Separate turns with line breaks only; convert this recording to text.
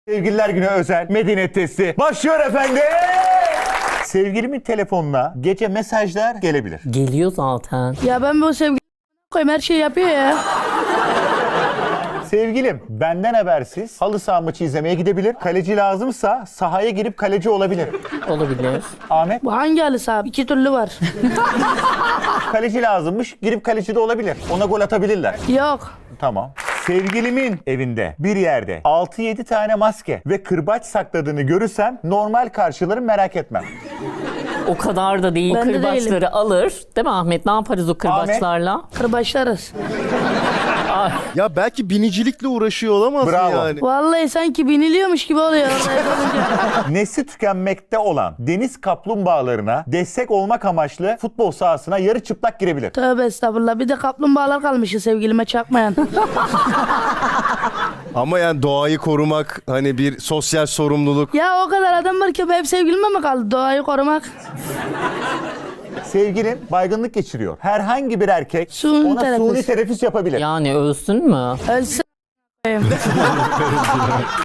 Sevgililer Günü özel Medeniyet testi başlıyor efendim. Sevgilimin telefonuna gece mesajlar gelebilir.
Geliyor zaten.
Ya ben bu sevgili koyayım her şeyi yapıyor ya.
Sevgilim benden habersiz halı saha maçı izlemeye gidebilir. Kaleci lazımsa sahaya girip kaleci olabilir.
Olabilir.
Ahmet,
Bu hangi halı saha? İki türlü var.
kaleci lazımmış, girip kaleci de olabilir. Ona gol atabilirler.
Yok.
Tamam. Sevgilimin evinde bir yerde 6-7 tane maske ve kırbaç sakladığını görürsem normal karşılarım, merak etmem.
O kadar da değil.
Ben de
Kırbaçları alır. Değil mi Ahmet? Ne yaparız o kırbaçlarla?
Kırbaçlarız.
Ya belki binicilikle uğraşıyor olamaz mı
Bravo.
yani?
Vallahi sanki biniliyormuş gibi oluyor. orada yapınca.
Nesli tükenmekte olan deniz kaplumbağalarına destek olmak amaçlı futbol sahasına yarı çıplak girebilir.
Tövbe estağfurullah. Bir de kaplumbağalar kalmışı sevgilime çakmayan.
Ama yani doğayı korumak hani bir sosyal sorumluluk.
Ya o kadar adam var ki hep sevgilime mi kaldı doğayı korumak?
Sevgilim baygınlık geçiriyor. Herhangi bir erkek
Suni
ona
teneffüs.
suni teneffüs yapabilir.
Yani ölsün mü?
Ölsün.